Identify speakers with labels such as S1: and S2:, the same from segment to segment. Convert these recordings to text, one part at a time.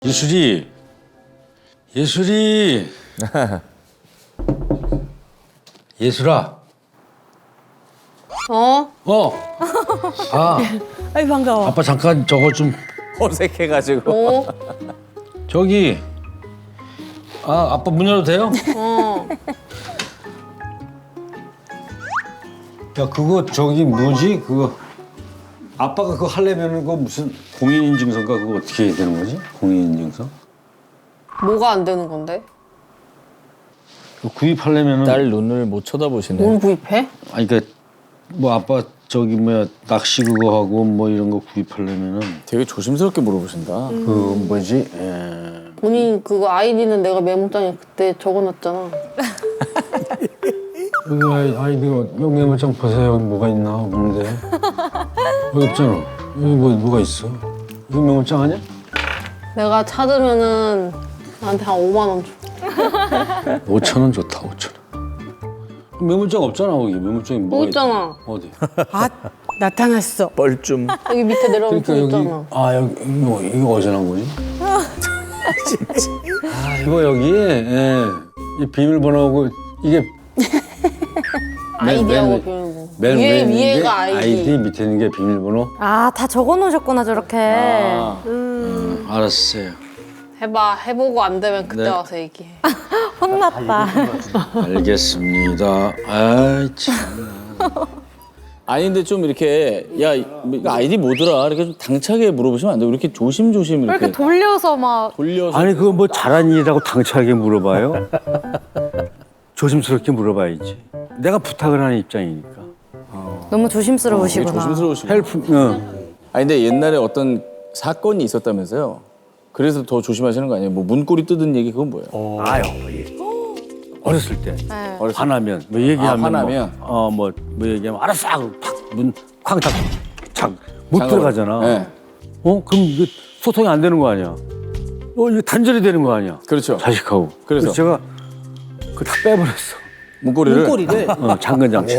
S1: 예술이 예술아.
S2: 아이 반가워.
S1: 아빠 잠깐 저거 좀
S3: 어색해가지고.
S1: 저기 아빠 문 열어도 돼요? 야 그거 저기 뭐지 그거 아빠가 그거 하려면은 그거 무슨 공인인증서인가 그거 어떻게 해야 되는 거지? 공인인증서?
S4: 뭐가 안 되는 건데?
S1: 그거 구입하려면은
S3: 딸 눈을 못 쳐다보시네.
S4: 뭘 구입해?
S1: 아니 그러니까 뭐 아빠 저기 뭐야 낚시 그거 하고 뭐 이런 거 구입하려면은
S3: 되게 조심스럽게 물어보신다.
S1: 그 뭐지?
S4: 본인 그거 아이디는 내가 메모장에 그때 적어놨잖아.
S1: 여기 아이디가 여기 메모장 보세요. 여기 뭐가 있나 없는데 여기 없잖아. 여기 뭐가 있어? 이거 메모장 아니야?
S4: 내가 찾으면은 나한테 한 5만 원 줘.
S1: 5천 원 좋다. 5천 원. 메모장 없잖아 거기. 메모장이
S4: 뭐
S1: 뭐가
S4: 있잖아.
S1: 어디?
S2: 아 나타났어.
S3: 뻘쭘.
S4: 여기 밑에 내려오면
S1: 그러니까
S4: 또
S1: 여기
S4: 있잖아.
S1: 여기 이거 어디서 난 거지? 이거 여기 이 비밀번호고 이게
S4: 아이디하고 비밀번호.
S1: 맨 위에 있는 게
S4: 위에가 아이디.
S1: 밑에 있는 게 비밀번호.
S5: 아, 다 적어놓으셨구나 저렇게.
S1: 알았어요.
S4: 해보고 안 되면 그때
S1: 네.
S4: 와서 얘기해.
S5: 혼났다.
S1: 알겠습니다. 아이 참.
S3: 아니 근데 좀 이렇게 야 이거 아이디 뭐더라 이렇게 좀 당차게 물어보시면 안 돼요. 이렇게 조심조심
S5: 왜
S3: 이렇게
S5: 이렇게 돌려서 막.
S3: 돌려서.
S1: 아니 그거 뭐 잘한 일이라고 당차게 물어봐요? 조심스럽게 물어봐야지. 내가 부탁을 하는 입장이니까.
S5: 너무
S3: 되게
S5: 조심스러우시구나.
S3: 조심스러우시고.
S1: 아니
S3: 근데 옛날에 어떤 사건이 있었다면서요. 그래서 더 조심하시는 거 아니에요? 뭐 문고리 뜯은 얘기 그건 뭐예요?
S1: 아유 어렸을 때
S5: 네.
S1: 화나면 뭐 얘기하면
S3: 화나면?
S1: 뭐 얘기하면 알았어 하고 팍문쾅 닫고 못
S3: 장갑을.
S1: 들어가잖아.
S3: 네.
S1: 그럼 이거 소통이 안 되는 거 아니야? 이거 단절이 되는 거 아니야?
S3: 그렇죠.
S1: 자식하고.
S3: 그래서?
S1: 제가 그거 다 빼버렸어.
S3: 문고리를.
S1: 잠근 장치.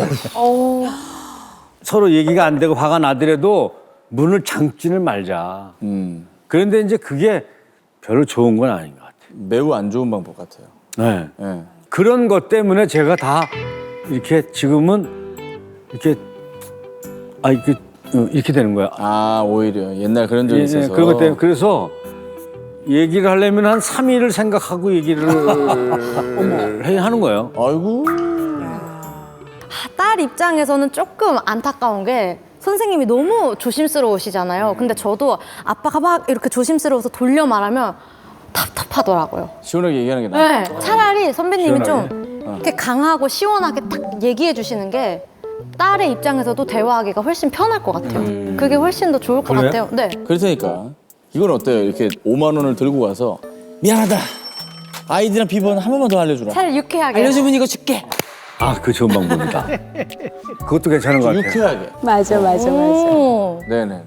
S1: 서로 얘기가 안 되고 화가 나더라도 문을 잠지를 말자. 그런데 이제 그게 별로 좋은 건 아닌 것 같아요.
S3: 매우 안 좋은 방법 같아요.
S1: 네.
S3: 네.
S1: 그런 것 때문에 제가 다 이렇게 지금은 이렇게 이렇게 되는 거야.
S3: 아 오히려 옛날 그런 적이 있어서.
S1: 그런 것 때문에 그래서 얘기를 하려면 한 3일을 생각하고 얘기를 해야 하는 거예요.
S3: 아이고.
S5: 딸 입장에서는 조금 안타까운 게 선생님이 너무 조심스러우시잖아요. 근데 저도 아빠가 막 이렇게 조심스러워서 돌려 말하면 답답하더라고요.
S3: 시원하게 얘기하는 게 나아.
S5: 네, 차라리 선배님이 좀 이렇게 강하고 시원하게 딱 얘기해 주시는 게 딸의 입장에서도 대화하기가 훨씬 편할 것 같아요. 그게 훨씬 더 좋을 것
S1: 그래요?
S5: 같아요. 네.
S3: 그렇다니까. 이건 어때요? 이렇게 5만 원을 들고 가서 미안하다. 아이디랑 비번 한 번만 더 알려주라.
S5: 차라리 유쾌하게.
S2: 알려주면 이거 줄게.
S1: 그 좋은 방법이다. 그것도 괜찮은 것 같아요.
S3: 유쾌하게.
S2: 맞아.
S5: 오.
S3: 네네.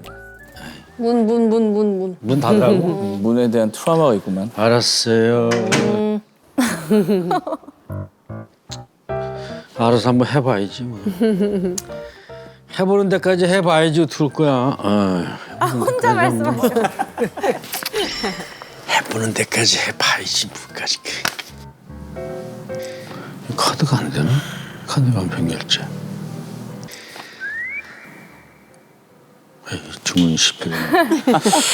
S4: 문.
S1: 문 닫으라고?
S3: 문에 대한 트라우마가 있구만.
S1: 알았어요. 알아서 한번 해봐야지 뭐. 해보는 데까지 해봐야지 어떡할 거야.
S5: 혼자 말씀하시고.
S1: 해보는 데까지 해봐야지 뭐까지. 카드가 안 되나? 카드가 안 변결제. 주문 실패네.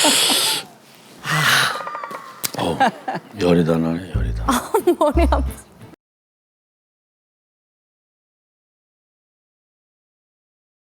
S1: 열이다 나네 열이다.
S5: 머리 아파.